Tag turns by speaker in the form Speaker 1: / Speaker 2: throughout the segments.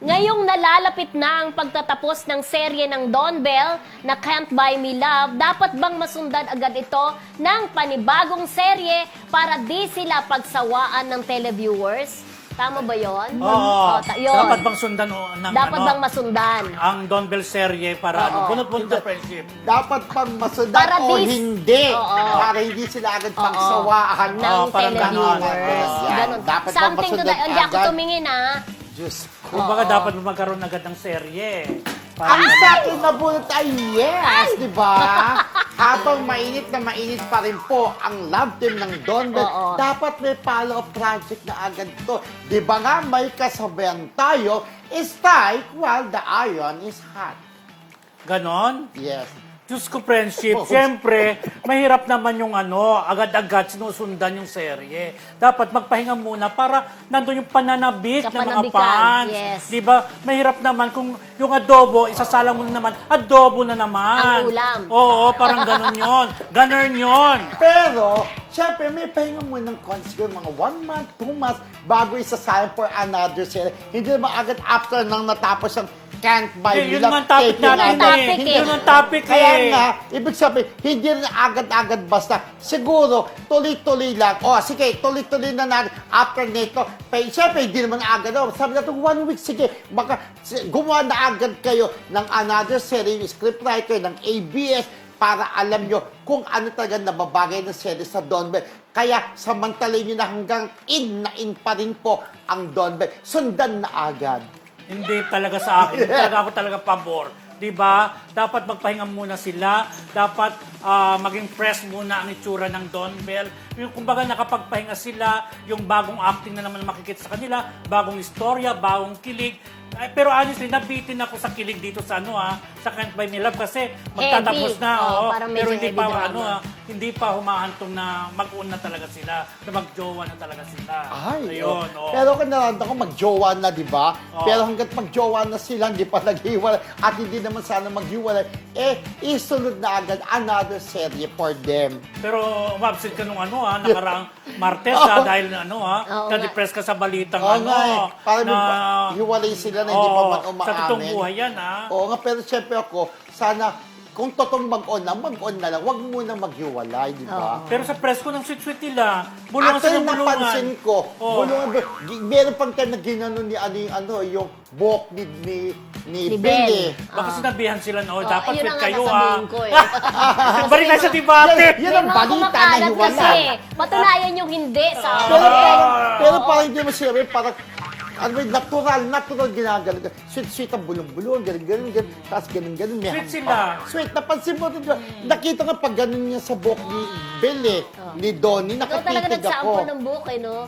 Speaker 1: Ngayong nalalapit na ang pagtatapos ng serye ng Don Bell na Can't Buy Me Love, dapat bang masundan agad ito ng panibagong serye para di sila pagsawaan ng televiewers? Tama ba yun?
Speaker 2: Oo.
Speaker 1: Yun.
Speaker 2: Dapat bang sundan ng
Speaker 1: Dapat bang masundan?
Speaker 2: ang Don Bell serye para bunot-bunot na friendship?
Speaker 3: Dapat pang masundan
Speaker 1: Para
Speaker 3: o
Speaker 1: dis-
Speaker 3: hindi.
Speaker 1: Oo.
Speaker 3: Para hindi sila agad pagsawaan
Speaker 1: Ng
Speaker 2: parang
Speaker 1: televiewers.
Speaker 3: ganon.
Speaker 1: Ganon.
Speaker 3: Dapat bang
Speaker 1: Something to
Speaker 3: masundan
Speaker 1: that. Hindi ako
Speaker 3: agad?
Speaker 1: tumingin,
Speaker 3: Diyos ko.
Speaker 2: Kumbaga dapat magkaroon agad ng serye.
Speaker 3: Ang sa akin nabunot ay yes, di ba? Habang mainit na mainit pa rin po ang love team ng Don Bell,
Speaker 1: Oo.
Speaker 3: dapat may follow-up project na agad to. Di ba nga may kasabayan tayo, strike while the iron is hot.
Speaker 2: Ganon?
Speaker 3: Yes.
Speaker 2: Diyos ko, friendship.
Speaker 3: Oo.
Speaker 2: Siyempre, mahirap naman yung agad-agad sinusundan yung serye. Dapat magpahinga muna para nandun yung pananabik ng mga
Speaker 1: Kapanabikan,
Speaker 2: fans.
Speaker 1: yes.
Speaker 2: Di ba? Mahirap naman kung yung adobo, isasalang mo na naman, adobo na naman.
Speaker 1: Ang ulam.
Speaker 2: Oo, parang ganon yon. Ganon yon.
Speaker 3: Pero, syempre, may pahinga mo ng siguro mga 1 month, 2 months bago isasayang for another series. Hindi naman agad after nang natapos ang Can't Buy
Speaker 2: Yun
Speaker 3: Me Love.
Speaker 2: naman topic
Speaker 3: taping
Speaker 2: natin
Speaker 3: agad.
Speaker 2: eh.
Speaker 1: Topic
Speaker 2: Yun ang topic
Speaker 3: Kaya
Speaker 2: eh.
Speaker 3: nga, ibig sabihin, hindi rin agad-agad basta. Siguro, tuloy-tuloy lang. O, sige, tuloy-tuloy na natin after nito. Siyempre, hindi naman agad. Sabi natin, 1 week, sige. Baka gumawa na agad kayo ng another series, scriptwriter ng ABS, para alam nyo kung ano talaga nababagay ng series sa Don Bell. Kaya samantalay nyo na hanggang in pa rin po ang Don Bell. Sundan na agad.
Speaker 2: Hindi talaga sa akin. Talaga ako talaga pabor. Diba? Dapat magpahinga muna sila. Dapat maging fresh muna ang itsura ng Don Bell. Yung kumbaga nakapagpahinga sila, yung bagong acting na naman makikita sa kanila, bagong istorya, bagong kilig. Pero honestly, nabitin ako sa kilig dito sa sa Can't Buy Me Love kasi magtatapos
Speaker 1: Heavy.
Speaker 2: na.
Speaker 1: Oo, parang medyo
Speaker 2: pero hindi
Speaker 1: heavy
Speaker 2: pa
Speaker 1: drama.
Speaker 2: hindi pa humahantong na mag-un na talaga sila, na magjowa na talaga sila.
Speaker 3: Ay,
Speaker 2: Ayun,
Speaker 3: oh. Pero kung naranda ko, magjowa na, di ba?
Speaker 2: Oo.
Speaker 3: Pero hanggat magjowa na sila, hindi pa naghiwalay, at hindi naman sana maghiwalay, isunod na agad another serye for them.
Speaker 2: Pero umabsent ka nung nakaraang Martes dahil
Speaker 1: Oo
Speaker 2: na-depress ka sa balitang
Speaker 3: Oo nga eh. Parang
Speaker 2: na
Speaker 3: hiwalay sila na hindi pa man umaamin.
Speaker 2: sa totoong buhay yan
Speaker 3: Oo nga, pero siyempre ako, sana, kung totoong mag-on na lang. Huwag muna maghiwalay, di ba?
Speaker 2: Pero sa press ko ng sweet-sweet nila, bulungan
Speaker 3: Actually,
Speaker 2: sila bulungan.
Speaker 3: napansin ko,
Speaker 2: Oo.
Speaker 3: meron pang time na ginanon ni yung buhok ni
Speaker 1: Ni
Speaker 3: Billy.
Speaker 1: Bell.
Speaker 2: Baka sinabihan sila dapat
Speaker 1: yun
Speaker 2: fit
Speaker 1: ang nga
Speaker 2: kayo
Speaker 1: sasabihin ko eh.
Speaker 2: Balik tayo sa debate.
Speaker 3: Yan ang
Speaker 1: May mga
Speaker 3: balita na
Speaker 1: kumakalat
Speaker 3: hiwalay.
Speaker 1: kasi. Patunayan yung hindi sa
Speaker 3: Pero parang hindi mo sinabi, parang natural ginagaling. Sweet ang bulong-bulong, ganun. Tapos ganun.
Speaker 2: Sweet sila.
Speaker 3: Sweet, napansin mo rin, nakita nga pag ganun niya sa buhok ni Belle, ni Donnie,
Speaker 1: Ikaw talaga
Speaker 3: nakatitig ako.
Speaker 1: nagsample ng buhok eh, no?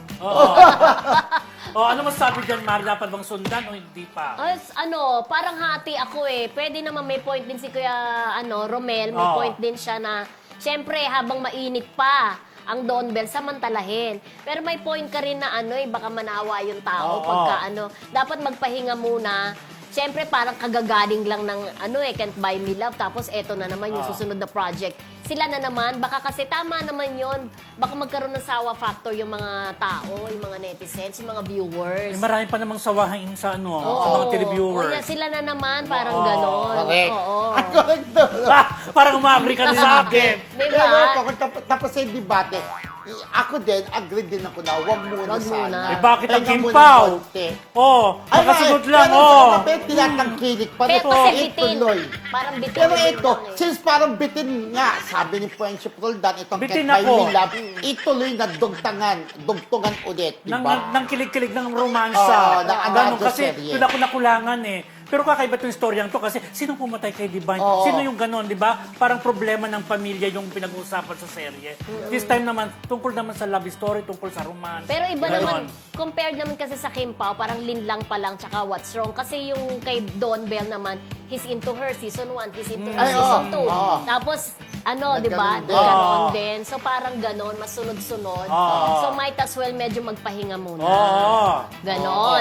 Speaker 2: Ano masabi dyan, Mari? Dapat bang sundan o hindi pa?
Speaker 1: Parang hati ako eh. Pwede naman may point din si Kuya Romel, may
Speaker 2: Oo.
Speaker 1: point din siya na, syempre, habang mainit pa ang Don Bell, samantalahin. Pero may point ka rin na baka manawa yung tao
Speaker 2: Oo.
Speaker 1: pagka dapat magpahinga muna. Siyempre, parang kagagaling lang ng Can't Buy Me Love. Tapos, eto na naman yung susunod na project. Sila na naman, baka kasi tama naman yon. Baka magkaroon ng sawa factor yung mga tao, yung mga netizens, yung mga viewers.
Speaker 2: Marami pa namang sawahin sa sa mga
Speaker 1: Oo.
Speaker 2: televiewers.
Speaker 1: Kaya sila na naman, parang ganon.
Speaker 3: Correct.
Speaker 1: Oo.
Speaker 3: Correct daw.
Speaker 2: Parang umabri ka na sa akin.
Speaker 1: Diba?
Speaker 3: Pero ako, tapos sa debate, ako din, agree din ako na huwag muna
Speaker 1: Wag
Speaker 3: sana.
Speaker 1: muna.
Speaker 2: Bakit ang
Speaker 3: Pahinga muna
Speaker 2: gimpaw?
Speaker 3: konti.
Speaker 2: Makasunod lang,
Speaker 3: Pero tinatangkilik pa rin.
Speaker 1: Pero kasi bitin.
Speaker 3: Ituloy.
Speaker 1: Parang bitin.
Speaker 3: Pero
Speaker 1: din
Speaker 3: ito,
Speaker 1: lang eh.
Speaker 3: since parang bitin nga, sabi ni Friendship Roldan, itong
Speaker 2: Bitin
Speaker 3: Can't Buy
Speaker 2: ako.
Speaker 3: Me Love, ituloy na dugtungan ulit, di ba?
Speaker 2: Nang kilig-kilig ng romansa.
Speaker 3: Oo, ng
Speaker 2: Ganun
Speaker 3: another
Speaker 2: kasi,
Speaker 3: serye.
Speaker 2: doon ako nakulangan eh. Pero kakaiba itong storyang to kasi sino pumatay kay Divine?
Speaker 3: Oo.
Speaker 2: Sino yung ganon, di ba? Parang problema ng pamilya yung pinag-uusapan sa serye. This time naman, tungkol naman sa love story, tungkol sa romance.
Speaker 1: Pero iba
Speaker 2: Ganon.
Speaker 1: naman, compared naman kasi sa Kim Pao, parang linlang pa lang, tsaka What's Wrong. Kasi yung kay Don Bell naman, he's into her season 1, he's into her
Speaker 3: Ay,
Speaker 1: season 2.
Speaker 3: oo.
Speaker 1: Tapos, di ba?
Speaker 3: Nagganon din.
Speaker 1: Ganon din. So parang ganon, masunod-sunod.
Speaker 2: Oo.
Speaker 1: So might as well medyo magpahinga muna.
Speaker 2: Oo.
Speaker 1: Ganon.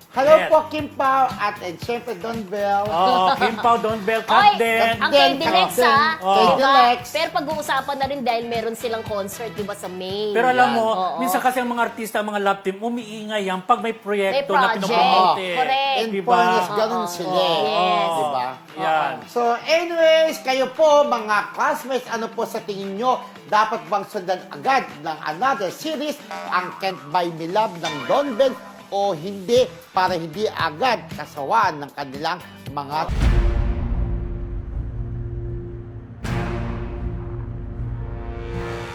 Speaker 3: Hello
Speaker 2: Yes.
Speaker 3: po, Kim Pao, at syempre, Don Bell.
Speaker 2: Oo, Kim Pao, Don Bell,
Speaker 1: Oy,
Speaker 2: Kat din.
Speaker 1: ang kay Dilex,
Speaker 3: Captain.
Speaker 1: ha?
Speaker 3: Kay
Speaker 1: Diba?
Speaker 3: Dilex.
Speaker 1: Pero pag-uusapan na rin dahil meron silang concert, diba, sa May.
Speaker 2: Pero alam mo,
Speaker 1: Oo.
Speaker 2: minsan kasi ang mga artista, ang mga love team, umiingay yan pag may proyekto
Speaker 1: May
Speaker 2: na
Speaker 1: project.
Speaker 2: pinopromote.
Speaker 1: Correct.
Speaker 3: In
Speaker 2: Diba?
Speaker 3: fairness, ganun
Speaker 1: Oo.
Speaker 3: sila.
Speaker 1: Yes.
Speaker 3: Diba?
Speaker 2: Yan.
Speaker 3: So, anyways, kayo po, mga classmates, ano po sa tingin nyo, dapat bang sundan agad ng another series, ang Can't Buy Me Love ng Don Bell, o hindi, para hindi agad kasawaan ng kanilang mga